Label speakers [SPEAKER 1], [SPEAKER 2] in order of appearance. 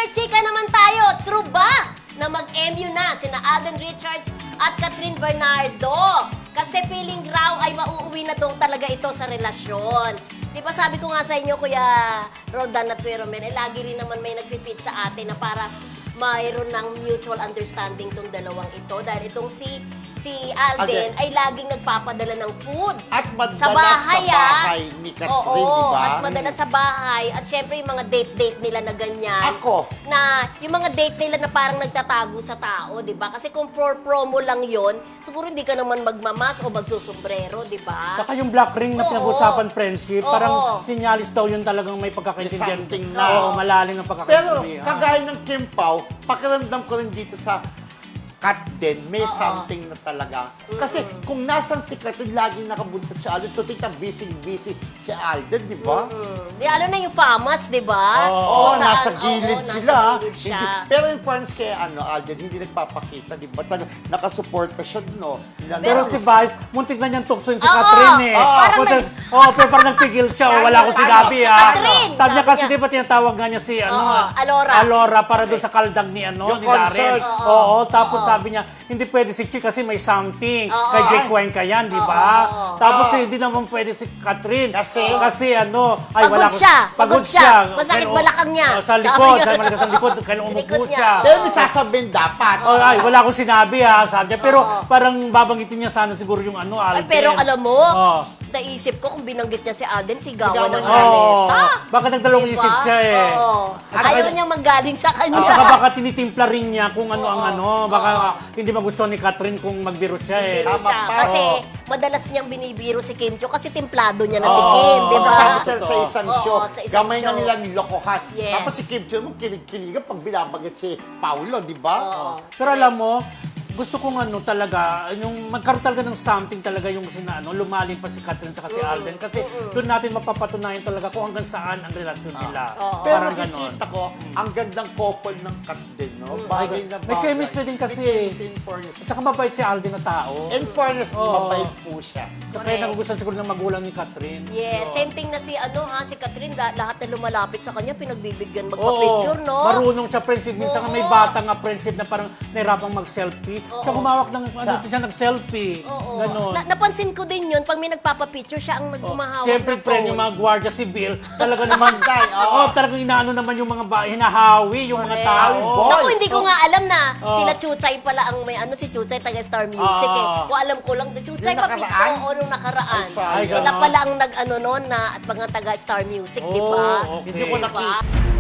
[SPEAKER 1] Dear Chika naman tayo, true ba na mag-MU na sina Alden Richards at Catherine Bernardo? Kasi feeling raw ay mauuwi na daw talaga ito sa relasyon. Di ba sabi ko nga sa inyo, Kuya Roldan at Kuya Romel, lagi rin naman may nagpipit sa atin na para mayroon ng mutual understanding tong dalawang ito. Dahil itong si Alden ay laging nagpapadala ng food.
[SPEAKER 2] At madalas
[SPEAKER 1] sa bahay
[SPEAKER 2] ni Catherine, di ba?
[SPEAKER 1] At madalas sa bahay. At syempre yung mga date-date nila na ganyan.
[SPEAKER 2] Ako.
[SPEAKER 1] Na yung mga date nila na parang nagtatago sa tao, di ba? Kasi kung for promo lang yon, siguro hindi ka naman magmamas o magsusombrero, di ba?
[SPEAKER 3] Saka yung black ring na
[SPEAKER 1] Oo.
[SPEAKER 3] pinag-usapan friendship,
[SPEAKER 1] Oo.
[SPEAKER 3] parang sinyalis daw yun talagang may pagkakaintindihan.
[SPEAKER 2] Something na.
[SPEAKER 3] Oo, malalim ng
[SPEAKER 2] Pero
[SPEAKER 3] pagkakaintindihan.
[SPEAKER 2] kagaya ng Kim Pao, pakiramdam ko rin dito sa Kat din, may something na talaga. Kasi kung nasan si Catherine, laging nakabuntot si Alden. Tutita, busy-busy si Alden, di ba?
[SPEAKER 1] Di, ano na yung famas, di ba?
[SPEAKER 2] Oo,
[SPEAKER 1] Kung
[SPEAKER 2] nasa
[SPEAKER 1] saan-
[SPEAKER 2] gilid
[SPEAKER 1] oo,
[SPEAKER 2] sila.
[SPEAKER 1] Nasa gilid siya.
[SPEAKER 2] Pero in fairness kay Alden, hindi nagpapakita, di ba? Nakasuporta siya, no?
[SPEAKER 3] Pero si Vice, muntik na niyang tuksoin si
[SPEAKER 1] Oo.
[SPEAKER 3] Catherine eh.
[SPEAKER 1] Parang
[SPEAKER 3] Pero parang nagpigil siya, wala akong sinabi
[SPEAKER 1] Si
[SPEAKER 3] ha.
[SPEAKER 1] Catherine,
[SPEAKER 3] Sabi niya
[SPEAKER 1] sabi
[SPEAKER 3] kasi
[SPEAKER 1] niya.
[SPEAKER 3] di ba tinatawag nga niya si
[SPEAKER 1] Alora.
[SPEAKER 3] Alora para doon sa kaldag ni
[SPEAKER 2] Yung
[SPEAKER 3] ni Darren.
[SPEAKER 2] concert.
[SPEAKER 3] Oo, tapos sabi niya, hindi pwede si Chi kasi may something. Kay Jake Cuenca yan, di ba? Tapos hindi naman pwede si Catherine.
[SPEAKER 2] Kasi?
[SPEAKER 3] Kasi ay
[SPEAKER 1] Pagod
[SPEAKER 3] wala ko.
[SPEAKER 1] siya. Pagod siya. Masakit
[SPEAKER 3] Kaya,
[SPEAKER 1] balakang niya.
[SPEAKER 3] Sa
[SPEAKER 1] Sabi
[SPEAKER 3] likod,
[SPEAKER 1] niya.
[SPEAKER 3] sa malakas sa likod, kaya umupo
[SPEAKER 1] Likod niya.
[SPEAKER 3] siya.
[SPEAKER 2] Pero may sasabihin dapat.
[SPEAKER 3] Wala akong sinabi ha, sabi niya. Pero parang babanggitin niya sana siguro yung
[SPEAKER 1] Ay,
[SPEAKER 3] Alden.
[SPEAKER 1] pero alam mo,
[SPEAKER 3] Oo.
[SPEAKER 1] naisip ko kung binanggit niya si Alden, sigawan
[SPEAKER 2] Sigawan
[SPEAKER 1] ng
[SPEAKER 2] niya.
[SPEAKER 1] Aleta.
[SPEAKER 3] Baka nagdalawang
[SPEAKER 1] Diba?
[SPEAKER 3] isip siya eh.
[SPEAKER 1] Oo.
[SPEAKER 3] At
[SPEAKER 1] Ayaw
[SPEAKER 3] saka-
[SPEAKER 1] niyang manggaling sa kanya.
[SPEAKER 3] At saka baka tinitimpla rin niya kung ano ang ano. Baka hindi magustuhan ni Catherine kung magbiro siya eh.
[SPEAKER 1] Biro
[SPEAKER 2] Tama
[SPEAKER 1] siya.
[SPEAKER 2] pa.
[SPEAKER 1] Kasi
[SPEAKER 3] Oo.
[SPEAKER 1] madalas niyang binibiro si Kim Cho kasi templado niya na si
[SPEAKER 3] Oo.
[SPEAKER 1] Kim, di ba?
[SPEAKER 2] Kasama sila sa isang
[SPEAKER 1] Oo,
[SPEAKER 2] show.
[SPEAKER 1] sa isang
[SPEAKER 2] Gamay na
[SPEAKER 1] show.
[SPEAKER 2] nila nilokohan.
[SPEAKER 1] Yes.
[SPEAKER 2] Tapos si Kim Chiu, kilig-kiligan pag binabagit si Paolo, di ba?
[SPEAKER 1] Oo.
[SPEAKER 3] Pero alam mo, gusto kong talaga, yung magkaroon talaga ng something talaga yung lumalim pa si Catherine sa si Alden. Kasi doon natin mapapatunayan talaga kung hanggang saan ang relasyon nila.
[SPEAKER 2] Pero
[SPEAKER 3] Parang ganon.
[SPEAKER 2] nakikita ko, ang gandang couple ng Kat din, no? Bagay na
[SPEAKER 3] May
[SPEAKER 2] bagay.
[SPEAKER 3] chemistry din kasi.
[SPEAKER 2] May chemistry in fairness.
[SPEAKER 3] At saka mabait si Alden na tao.
[SPEAKER 2] In fairness,
[SPEAKER 3] Oo.
[SPEAKER 2] mabait po siya.
[SPEAKER 3] Kaya nagugustuhan siguro ng magulang ni Catherine.
[SPEAKER 1] Yes, same thing na si si Catherine, lahat na lumalapit sa kanya, pinagbibigyan magpa-picture, no?
[SPEAKER 3] Marunong siya friendship. Minsan nga may bata nga friendship na parang nahirapang mag-selfie. Siya humawak ng siya nag-selfie.
[SPEAKER 1] Oo.
[SPEAKER 3] Ganon.
[SPEAKER 1] Napansin ko din yun, pag may nagpapapicture, siya ang nagmumahawak
[SPEAKER 3] Siyempre,
[SPEAKER 1] ng
[SPEAKER 3] friend,
[SPEAKER 1] phone.
[SPEAKER 3] yung mga Guardia Civil, talaga naman,
[SPEAKER 2] Bantay, oo.
[SPEAKER 3] talagang inaano naman yung mga hinahawi, yung mga
[SPEAKER 1] Correct.
[SPEAKER 3] tao.
[SPEAKER 2] Boy.
[SPEAKER 1] Naku, hindi ko nga alam na
[SPEAKER 3] Oo.
[SPEAKER 1] sila Chuchay pala ang may si Chuchay taga Star Music eh.
[SPEAKER 3] Oo.
[SPEAKER 1] Kung alam ko lang, Chuchay
[SPEAKER 2] Yung
[SPEAKER 1] pa
[SPEAKER 2] nakaraan?
[SPEAKER 1] o nung nakaraan.
[SPEAKER 2] Ay,
[SPEAKER 1] Sila
[SPEAKER 3] ganon.
[SPEAKER 1] pala ang nag-ano noon na at mga taga Star Music, di ba?
[SPEAKER 3] Oh, okay.
[SPEAKER 2] Hindi ko
[SPEAKER 1] Diba?
[SPEAKER 2] nakita.